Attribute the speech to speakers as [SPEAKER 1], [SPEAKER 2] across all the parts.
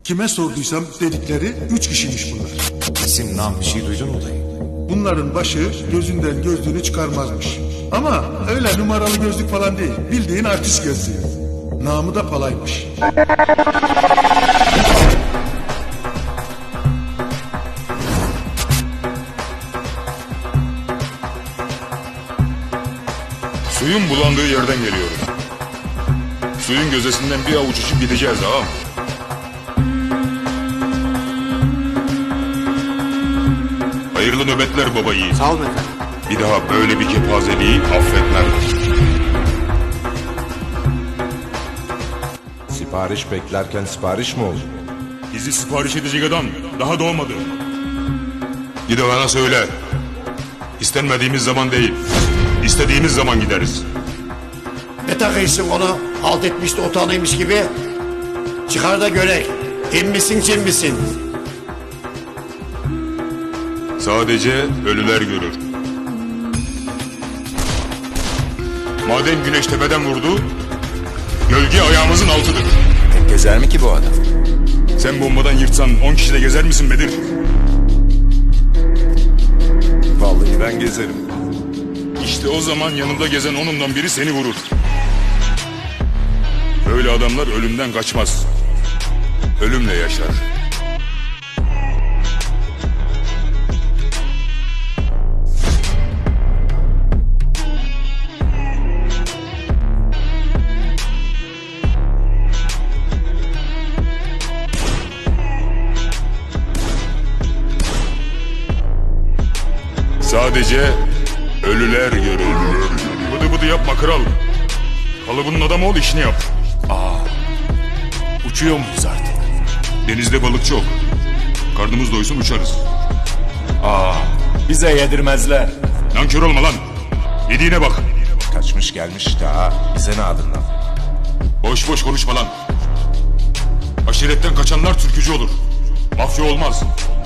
[SPEAKER 1] Kime sorduysam dedikleri 3 kişiymiş bunlar.
[SPEAKER 2] İsim, nam bir şey duydun mu dayı?
[SPEAKER 1] Bunların başı gözünden gözlüğünü çıkarmazmış. Ama öyle numaralı gözlük falan değil. Bildiğin artist gözlüğü. Namı da Palaymış.
[SPEAKER 3] Suyun bulandığı yerden geliyorum. Suyun gözesinden bir avuç içip gideceğiz ağam. Hayırlı nöbetler baba yiğit.
[SPEAKER 2] Sağ olun efendim.
[SPEAKER 3] Bir daha böyle bir kepazeliği affetmem.
[SPEAKER 4] Sipariş beklerken sipariş mi oldu?
[SPEAKER 3] Bizi sipariş edecek adam daha doğmadı. Gid ona söyle. İstenmediğimiz zaman değil, istediğimiz zaman gideriz.
[SPEAKER 5] Ne takıyorsun onu? Halt etmiş de utanıymış gibi. Çıkar da görek. İn misin cin misin?
[SPEAKER 3] Sadece ölüler görür. Madem güneş tepeden vurdu, gölge ayağımızın altıdır.
[SPEAKER 2] Gezer mi ki bu adam?
[SPEAKER 3] Sen bombadan yırtsan 10 kişi de gezer misin Bedir?
[SPEAKER 4] Vallahi ben gezerim.
[SPEAKER 3] İşte o zaman yanında gezen onundan biri seni vurur. Böyle adamlar ölümden kaçmaz. Ölümle yaşar. Sadece ölüler görür. Bıdı bıdı yapma kral. Kalıbının adamı ol, işini yap.
[SPEAKER 2] Uçuyor muyuz artık?
[SPEAKER 3] Denizde balık çok. Karnımız doysun uçarız.
[SPEAKER 2] Bize yedirmezler.
[SPEAKER 3] Nankör olma lan. Yediğine bak.
[SPEAKER 4] Kaçmış gelmiş daha. Bize ne adından?
[SPEAKER 3] Boş boş konuşma lan. Aşiretten kaçanlar türkücü olur. Mafya olmaz.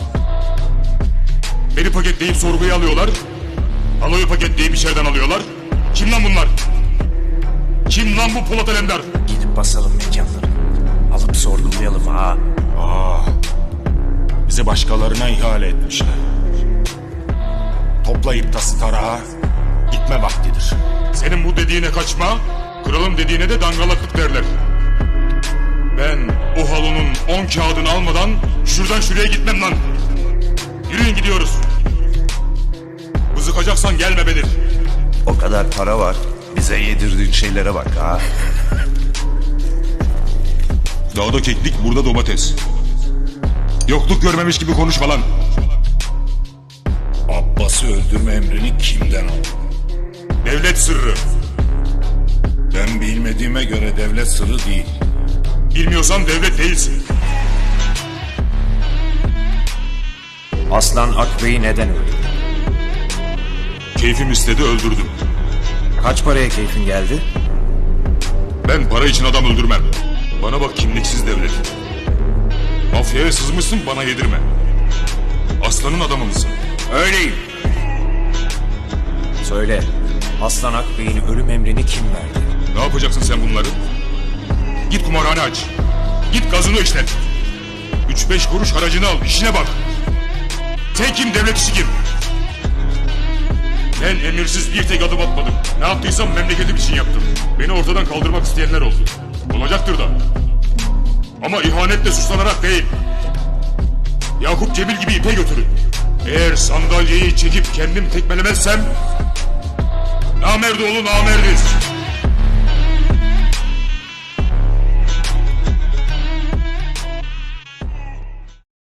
[SPEAKER 3] Beni paketleyip sorguya alıyorlar. Aloyu paketleyip içeriden alıyorlar. Kim lan bunlar? Kim lan bu Polat Alemdar?
[SPEAKER 2] Gidip basalım mekanları. Alıp sorgulayalım ha. Bizi başkalarına ihale etmişler. Toplayıp tası tarağa gitme vaktidir.
[SPEAKER 3] Senin bu dediğine kaçma, kralın dediğine de dangalaklık derler. Ben o halonun 10 kağıdını almadan şuradan şuraya gitmem lan. Yürüyün gidiyoruz. Bızıkacaksan gelme Bedir.
[SPEAKER 4] O kadar para var. Bize yedirdiğin şeylere bak ha.
[SPEAKER 3] Dağda keklik, burada domates. Yokluk görmemiş gibi konuşma lan.
[SPEAKER 6] Abbas'ı öldürme emrini kimden aldın?
[SPEAKER 3] Devlet sırrı.
[SPEAKER 6] Ben bilmediğime göre devlet sırrı değil.
[SPEAKER 3] Bilmiyorsan devlet değilsin.
[SPEAKER 2] Aslan Akbey'i neden öldürdü?
[SPEAKER 3] Keyfim istedi, öldürdüm.
[SPEAKER 2] Kaç paraya keyfin geldi?
[SPEAKER 3] Ben para için adam öldürmem. Bana bak kimliksiz devlet. Mafyaya sızmışsın, bana yedirme. Aslanın adamı mısın?
[SPEAKER 2] Öyleyim. Söyle, Aslan Akbey'in ölüm emrini kim verdi?
[SPEAKER 3] Ne yapacaksın sen bunları? Git kumarhane aç. Git gazino işlet. 3-5 kuruş haracını al, işine bak. Sen kim, devlet işi kim? Ben emirsiz bir tek adım atmadım. Ne yaptıysam memleketim için yaptım. Beni ortadan kaldırmak isteyenler oldu. Olacaktır da. Ama ihanetle suçlanarak değil. Yakup Cemil gibi ipe götürün. Eğer sandalyeyi çekip kendim tekmelemezsem... Namerdoğlu namerdiz.